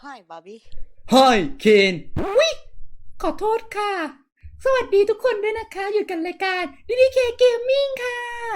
Hi Barbie เฮ้ยเคนวิขอโทษค่ะ สวัสดีทุกคนด้วยนะคะ อยู่กันรายการDDK Gaming ค่ะ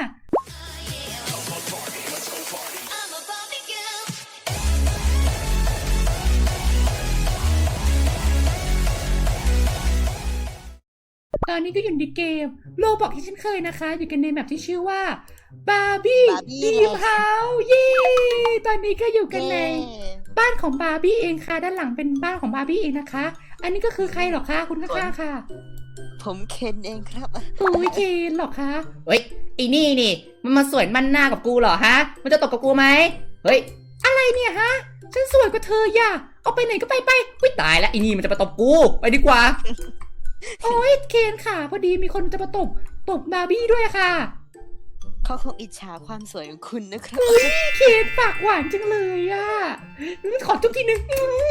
ตอนนี้ก็อยู่ในเกมโลบอกที่ฉันเคยนะคะ อยู่กันในแมปที่ชื่อว่า Barbie Dream House เย้ตอนนี้ก็อยู่กันในบ้านของบาร์บี้เองค่ะ ด้านหลังเป็นบ้านของบาร์บี้เองนะคะ อันนี้ก็คือใครหรอคะคุณข้างๆค่ะผมเคนเองครับอุ้ยเคนหรอคะเฮ้ยไอ้นี่มันมาสวยมันหน้ากับกูเหรอฮะมันจะตกกับกูไหมเฮ้ยอะไรเนี่ยฮะ ฉันสวยกว่าเธออย่าเอาไปไหนก็ไปวิตายแล้วไอ้นี่มันจะมาตบกูไปดีกว่าโอ้ยเคนค่ะ พอดีมีคนจะมาตบบาร์บี้ด้วยค่ะเขาคงอิจฉาความสวยของคุณนะครับเคนปากหวานจังเลยอ่ะขอจุ๊บทีนึง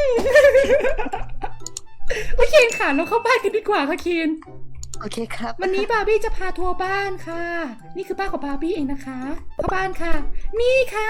ว่าเคนค่ะเราเข้าบ้านกันดีกว่าค่ะเคนโอเคครับวันนี้บาร์บี้จะพาทัวร์บ้านค่ะ นี่คือบ้านของบาร์บี้เองนะคะเข้าบ้านค่ะ นี่ค่ะ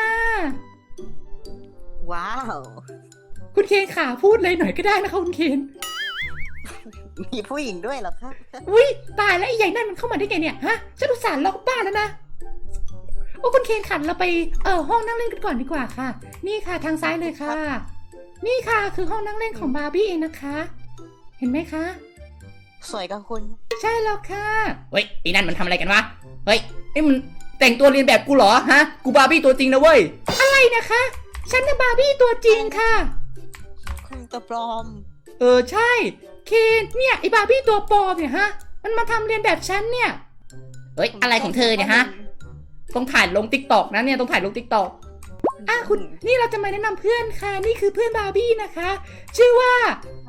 ว้าวคุณเคนค่ะพูดเลยหน่อยก็ได้นะคะคุณเคนมีผู้หญิงด้วยเหรอครับอุ้ยตายแล้วไอ้ใหญ่นั่นมันเข้ามาได้ไงเนี่ยฮะฉันอุตส่าห์ล็อกบ้านแล้วนะโอ้คุณเคนขันเราไปห้องนั่งเล่นกันก่อนดีกว่าค่ะ นี่ค่ะทางซ้ายเลยค่ะ นี่ค่ะคือห้องนั่งเล่นของบาร์บี้เองนะคะ เห็นไหมคะสวยกับคุณใช่แล้วค่ะเฮ้ยไอ้นั่นมันทำอะไรกันวะเฮ้ยไอ้มันแต่งตัวเรียนแบบกูเหรอฮะกูบาร์บี้ตัวจริงนะเว้ยอะไรนะคะฉันน่ะบาร์บี้ตัวจริงค่ะคุณตัวปลอมใช่เคนเนี่ยไอ้บาร์บี้ตัวปลอมเนี่ยฮะมันมาทำเรียนแบบฉันเนี่ยเฮ้ยอะไรของเธอเนี่ยฮะต้องถ่ายลงติ๊กต็อกนะเนี่ยต้องถ่ายลงติ๊กต็อกคุณนี่เราจะมาแนะนำเพื่อนค่ะ นี่คือเพื่อนบาร์บี้นะคะ ชื่อว่า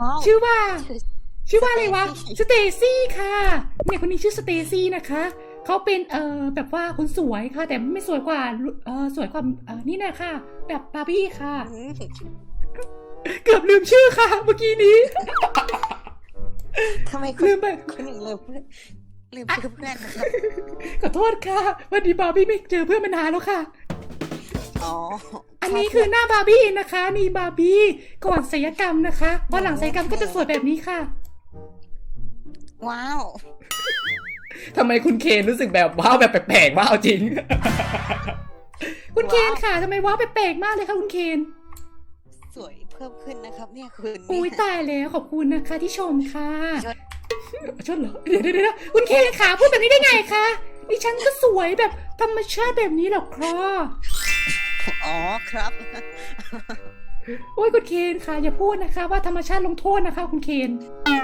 อะไรวะสเตซี่ค่ะเนี่ยคนนี้ชื่อสเตซี่นะคะเขาเป็นแบบว่าคนสวยค่ะ แต่ไม่สวยกว่าสวยกว่านี่นะคะแบบบาร์บี้ค่ะ เกือบลืมชื่อค่ะเมื่อกี้นี้ทำไมคุณลืมไปคุณถึงลืมชื่อเพื่อนนะครับขอโทษค่ะวันนี้บาร์บี้ไม่เจอเพื่อนมานานแล้วค่ะอ๋ออันนี้คือหน้าบาร์บี้นะคะนี่บาร์บี้ก่อนศัลยกรรมนะคะพอหลังศัลยกรรมก็จะสวยแบบนี้ค่ะว้าวทำไมคุณเคนรู้สึกแบบว้าวแบบแปลกๆว้าวจริงคุณเคนค่ะทำไมว้าวแปลกๆมากเลยค่ะคุณเคนสวยเพิ่มขึ้นนะครับ เนี่ยคุณอุ้ยตายแล้วขอบคุณนะคะที่ชมค่ะชดชดเหรอเดี๋ยวคุณเคนค่ะพูดแบบนี้ได้ไงคะดิฉันก็สวยแบบธรรมชาติแบบนี้หรอกครับอ๋อครับโอ้ยคุณเคนค่ะอย่าพูดนะคะว่าธรรมชาติลงโทษนะคะคุณเคน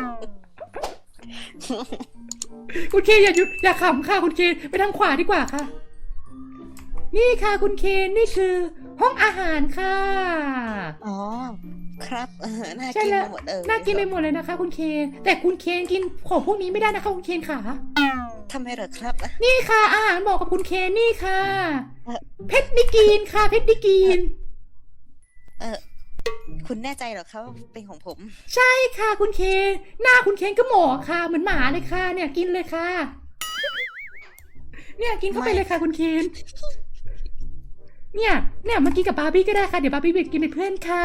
คุณเคนอย่าขำค่ะคุณเคนไปทางขวาดีกว่าค่ะ นี่ค่ะคุณเคนนี่คือห้องอาหารค่ะอ๋อครับน่าใช่กินแล้วไปหมดน่ากินไปหมดเลยนะคะ คุณเคนแต่คุณเคนกินของพวกนี้ไม่ได้นะคะคุณเคนค่ะทำไมเหรอครับนี่ค่ะอาหารเหมาะกับคุณเคนนี่ค่ะเพชรดิกีนค่ะเพชรดิกีนคุณแน่ใจเหรอครับว่าเป็นของผมใช่ค่ะคุณเคนหน้าคุณเคนก็หมอค่ะเหมือนหมาเลยค่ะ เนี่ยกินเลยค่ะ เนี่ยกินเข้าไปเลยค่ะคุณเคนเนี่ยมากินกับบาร์บี้ก็ได้ค่ะเดี๋ยวบาร์บี้ไปกินเป็นเพื่อนค่ะ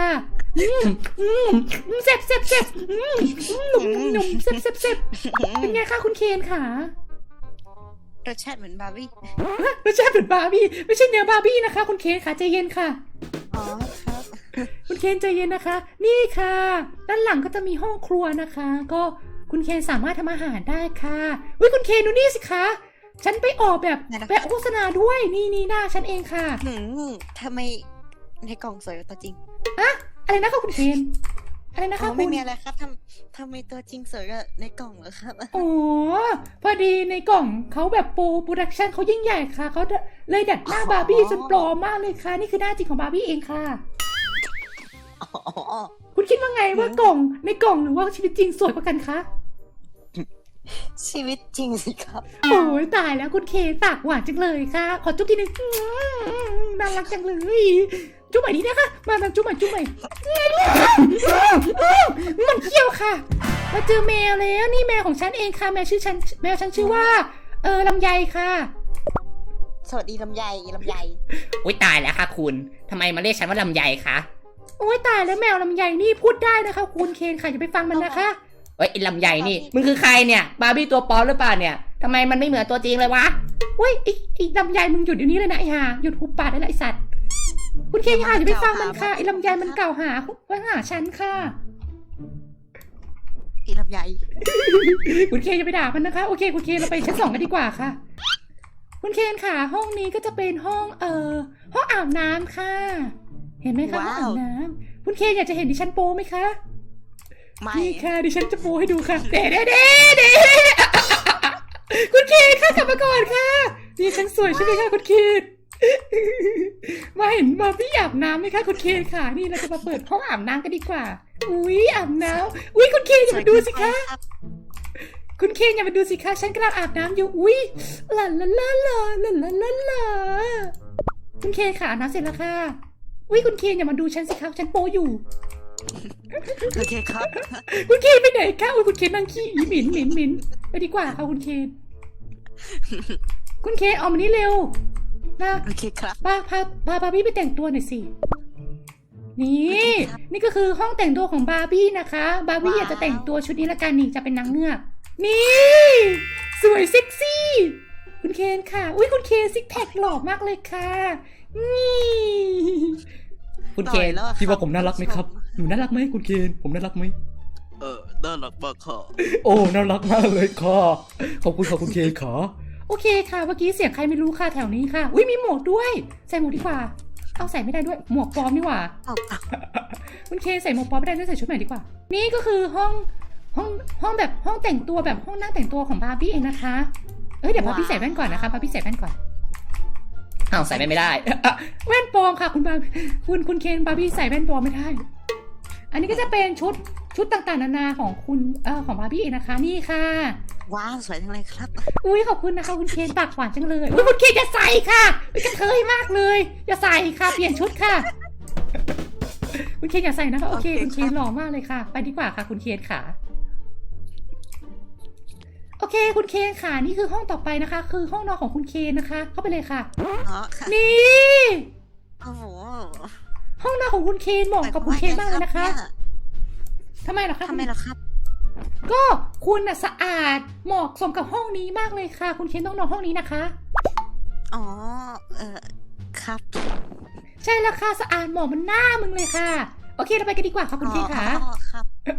เซ็บหนุ่มเซ็บเป็นไงคะคุณเคนค่ะรสชาติเหมือนบาร์บี้ไม่ใช่เป็นบาร์บี้ไม่ใช่เนื้อบาร์บี้นะคะ คุณเคนค่ะใจเย็นค่ะอ๋อครับคุณเคนใจเย็นนะคะ นี่ค่ะ ด้านหลังก็จะมีห้องครัวนะคะ ก็คุณเคนสามารถทำอาหารได้ค่ะอุ้ยคุณเคนดูนี่สิคะฉันไปออกแบบโฆษณาด้วยนี่หน้าฉันเองค่ะทำไมในกล่องสวยกว่าตัวจริงอะไรนะคะคุณเคนอะไรนะคะไม่คุณมีอะไรครับทำไมตัวจริงสวยกว่าในกล่องเหรอครับอ๋อพอดีในกล่องเขาแบบโปรดักชันเขายิ่งใหญ่ค่ะเขาเลยดัดหน้าบาร์บี้จนปลอมมากเลยค่ะนี่คือหน้าจริงของบาร์บี้เองค่ะอ๋อคุณคิดว่าไงว่ากล่องในกล่องหรือว่าชีวิตจริงสวยกว่ากันคะชีวิตจริงสิครับโอ้ยตายแล้วคุณเคปากหวานจังเลยค่ะ ขอจุ๊บทีนึงน่ารักจังเลยจุ๊บใหม่นี้นะคะมาจุ๊บใหม่มันเขี้ยวค่ะมาเจอแมวแล้วนี่แมวของฉันเองค่ะแมวฉันชื่อว่าลำไยค่ะสวัสดีลำไยอุ้ยตายแล้วค่ะคุณทำไมมาเรียกฉันว่าลำไยคะโอ้ยตายแล้วแมวลำไยนี่พูดได้นะคะคุณเคนค่ะอย่าไปฟังมันนะคะเฮ้ยไอ้ลำใหญ่นี่มึงคือใครเนี่ยบาร์บี้ตัวปลอมหรือเปล่าเนี่ยทำไมมันไม่เหมือนตัวจริงเลยวะเว้ยไอ้ลำไยมึงหยุดเดี๋ยวนี้เลยนะไอ้ห่าหยุดหุบปากได้ละไอ้สัตว์คุณเคนค่ะอย่าไปฟังมันค่ะไอ้ลำไยมันกล่าวหาว่าหาฉันค่ะอีลำไยคุณเคนอย่าไปด่ามันนะคะโอเคคุณเคนเราไปชั้น2กันดีกว่าค่ะ คุณเคนค่ะห้องนี้ก็จะเป็นห้องห้องอาบน้ำค่ะ เห็นไหมคะห้องอาบน้ำคุณเคนอยากจะเห็นดิฉันโป้ไหมคะไม่นี่ค่ะดิฉันจะโป้ให้ดูค่ะเด้คุณเคนค่ะกลับมาก่อนค่ะนี่ฉันสวยใช่ไหมคะคุณเคนมาเห็นมาพี่อาบน้ำไหมคะคุณเคนค่ะนี่เราจะมาเปิดห้องอาบน้ำกันดีกว่าอุ้ยอาบน้ำอุ้ยคุณเคนอย่ามาดูสิคะคุณเคนอย่ามาดูสิคะฉันกำลังอาบน้ำอยู่อุ้ยลาลาลาลาลาลาลาลาคุณเคนค่ะอาบน้ำเสร็จแล้วค่ะอุ้ยคุณเคนอย่ามาดูฉันสิคะฉันโป้อยู่โอเคครับคุณเคนไปไหนคะอุ้ยคุณเคนนั่งขี้อีหมิ่นไปดีกว่าค่ะคุณเคนคุณเคนออกมานี่เร็วนะโอเคครับพาบาร์บี้ไปแต่งตัวหน่อยสินี่นี่ก็คือห้องแต่งตัวของบาร์บี้นะคะบาร์บี้อยากจะแต่งตัวชุดนี้ละกันนี่จะเป็นนางเงือกนี่สวยเซ็กซี่คุณเคนค่ะอุ้ยคุณเคนซิกแพคหล่อมากเลยค่ะนี่คุณเคนต่อยแล้วอะพี่ว่าผมน่ารักไหมครับหนูน่ารักไหมคุณเคนผมน่ารักไหมน่ารักมากค่ะโอ้น่ารักมากเลยค่ะขอบคุณค่ะคุณเคนขอโอเคค่ะเมื่อกี้เสียงใครไม่รู้ค่ะแถวนี้ค่ะอุ้ยมีหมวกด้วยใส่หมวกดีกว่าเอาใส่ไม่ได้ด้วยหมวกปลอมนี่หว่าเอาคุณเคใส่หมวกปลอมไม่ได้ด้วยใส่ชุดใหม่ดีกว่านี่ก็คือห้องแบบห้องแต่งตัวแบบห้องนั่งแต่งตัวของบาร์บี้เองนะคะเดี๋ยวบาร์บี้ใส่แว่นก่อนนะคะบาร์บี้ใส่แว่นก่อนอ้าวใส่ไม่ได้แว่นปลอมค่ะคุณบาร์คุณเคนบาร์บี้ใส่แว่นปลอมไม่ได้ อันนี้ก็จะเป็นชุดต่างๆนานาของคุณของบาร์บี้เองนะคะนี่ค่ะว้าวสวยจังเลยครับอุ้ยขอบคุณนะคะคุณเคนปากหวานจังเลยอุ้ยคุณเคนอย่าใส่ค่ะกระเทยมากเลยอย่าใส่ค่ะเปลี่ยนชุดค่ะ คุณเคนอย่าใส่นะคะโอเคคุณเคนหล่อมากเลยค่ะ ไปดีกว่าค่ะคุณเคนค่ะโอเคคุณเคนค่ะนี่คือห้องต่อไปนะคะ คือห้องนอนของคุณเคนนะคะ เข้าไปเลยค่ะอ๋อค่ะนี่โอ้โหห้องนอนของคุณเคนเหมาะกับคุณเคนมากเลยนะคะทำไมเหรอคะทำไมล่ะครับก็คุณน่ะสะอาดเหมาะสมกับห้องนี้มากเลยค่ะ คุณเคนต้องนอนห้องนี้นะคะอ๋อครับใช่แล้วค่ะสะอาดเหมาะมันหน้ามึงเลยค่ะโอเคเราไปกันดีกว่าค่ะคุณเคนค่ะอ๋อครับ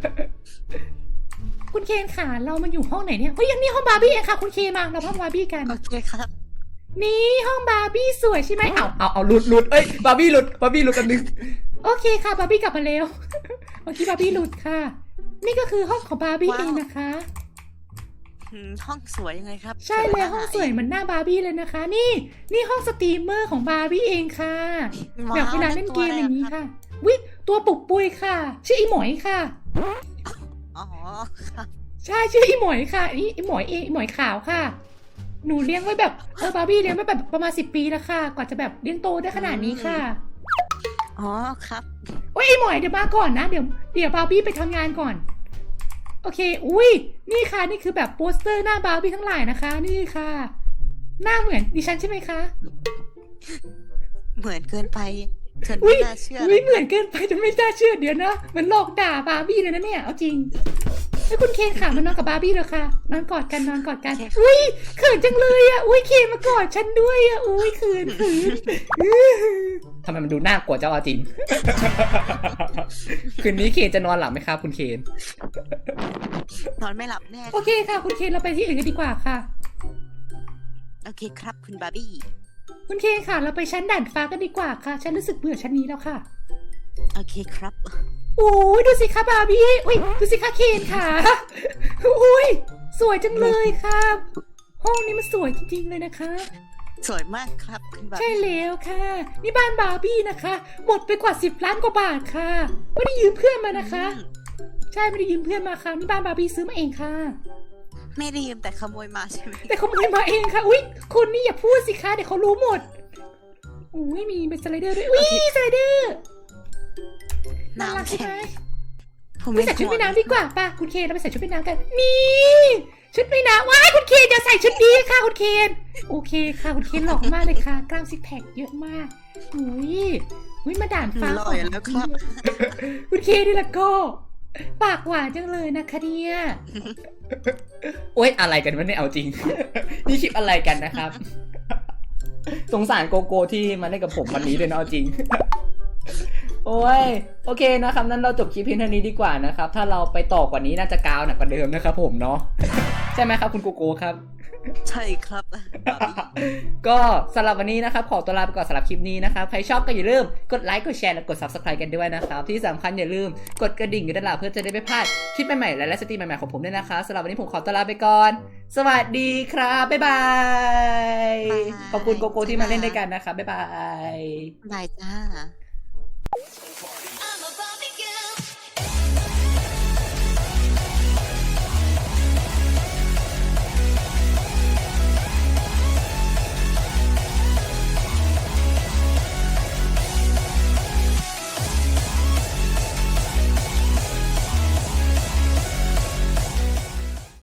คุณเคนค่ะเรามันอยู่ห้องไหนเนี่ยเฮ้ยยังนี่ห้องบาร์บี้เองค่ะคุณเคนมาเราห้องบาร์บี้กันโอเคครับนี่ห้องบาร์บี้สวยใช่ไหมเอาเอาหลุดเอ้ยบาร์บี้หลุดกันนึงโอเคค่ะบาร์บี้กลับมาแล้ว เมื่อกี้บาร์บี้หลุดค่ะ นี่ก็คือห้องของบาร์บี้เองนะคะห้องสวยยังไงครับใช่เลยห้องสวยเหมือนหน้าบาร์บี้เลยนะคะ นี่ห้องสตรีมเมอร์ของบาร์บี้เองค่ะแบบเวลาเล่นเกมอย่างนี้ค่ะวิตัวปุกปุยค่ะ ชื่ออีหมอยค่ะอ๋อครับใช่ชื่ออีหมอยค่ะอีหมอยอีหมอยขาวค่ะ หนูเลี้ยงไว้แบบบาร์บี้เลี้ยงไว้แบบประมาณ10 ปีแล้วค่ะกว่าจะแบบเลี้ยงโตได้ขนาดนี้ค่ะอ๋อครับโอ้ยไอหมอยเดี๋ยวมาก่อนนะเดี๋ยวบาร์บี้ไปทำงานก่อนโอเคอุ้ยนี่ค่ะนี่คือแบบโปสเตอร์หน้าบาร์บี้ทั้งหลายนะคะ นี่ค่ะ หน้าเหมือนดิฉันใช่ไหมคะเหมือนเกินไปจนอุ้ไม่ยน่าเชื่ออุ้ยเหมือนเกินไปจนไม่น่าเชื่อเดี๋ยวนะมันหลอกด่าบาร์บี้เลยนะเนี่ยเอาจริงให้คุณเคนค่ะมานอนกับบาร์บี้เลยค่ะนอนกอดกันอุ้ยเขินจังเลยอ่ะอุ้ยเคนมากอดฉันด้วยอ่ะอุ้ยเขินทำไมมันดูน่ากลัวเจ้าจริง คืนนี้เคนจะนอนหลับไหมครับคุณเคนนอนไม่หลับแน่โอเคค่ะคุณเคนเราไปที่อื่นกันดีกว่าค่ะโอเคครับคุณบาร์บี้คุณเคนค่ะเราไปชั้นด่านฟ้ากันดีกว่าค่ะฉันรู้สึกเบื่อชั้นนี้แล้วค่ะโอเคครับโอ้ยดูสิคะบาร์บี้อุ้ยดูสิคะเคนค่ะอุ้ยสวยจังเลยค่ะห้องนี้มันสวยจริงๆเลยนะคะสวยมากครับคุณบาร์ใช่บี้แล้วค่ะนี่บ้านบาร์บี้นะคะหมดไปกว่า10 ล้านกว่าบาทค่ะไม่ได้ยืมเพื่อนมานะคะ ใช่ไม่ได้ยืมเพื่อนมาค่ะนี่บ้านบาร์บี้ซื้อมาเองค่ะไม่ได้ยืมแต่ขโมยมาใช่ไหมแต่ขโมยมาเองค่ะอุ้ยคุณนี่อย่าพูดสิคะเดี๋ยวเขารู้หมดอุ้ยมีเป็นสไลเดอร์ด้วยอุ้ยสไลเดอร์น่ารักน้ำใช่แข็ไหมงผมไปไม่ใส่ชุดห่วว่าง ยน้ำดีกว่าป่ะคุณเคนเราไปใส่ชุดว่ายน้ำกันนี่ชุดว่ายน้ำว้ายคุณเคนอย่าใส่ชุดนี้ค่ะคุณเคนโอเคค่ะคุณเคนหล่อมากเลยค่ะกล้ามซิกแพคเยอะมากอุ้ยอุ้ยมาด่านฟ้าหล่อยแล้วครับคุณเคนี่ละก็ปากหวานจังเลยนะคะเนี่ยโอ๊ยอะไรกันวะเนี่ยเอาจริง นี่คลิปอะไรกันนะครับ สงสารโกโก้ที่มาเล่นกับผมวันนี้เลยนะเอาจริง โอ้ยโอเคนะครับนั้นเราจบคลิปเพียงเท่านี้ดีกว่านะครับถ้าเราไปต่อกว่านี้น่าจะกาวหนักกว่าเดิมนะครับผมเนาะ ใช่ไหมครับคุณโกโก้ครับใช่ครับบาร์บี้ก็สำหรับวันนี้นะครับขอตัวลาไปก่อนสำหรับคลิปนี้นะครับใครชอบก็อย่าลืมกดไลค์กดแชร์และกด Subscribe กันด้วยนะครับที่สำคัญอย่าลืมกดกระดิ่งอยู่ด้านหลังเพื่อจะได้ไม่พลาดคลิปใหม่ๆและไลฟ์สตรีมใหม่ๆของผมด้วยนะคะสำหรับวันนี้ผมขอตัวลาไปก่อนสวัสดีครับบ๊ายบายขอบคุณโกโก้ที่มาเล่นด้วยกันนะครับบ๊ายบายบายจ้า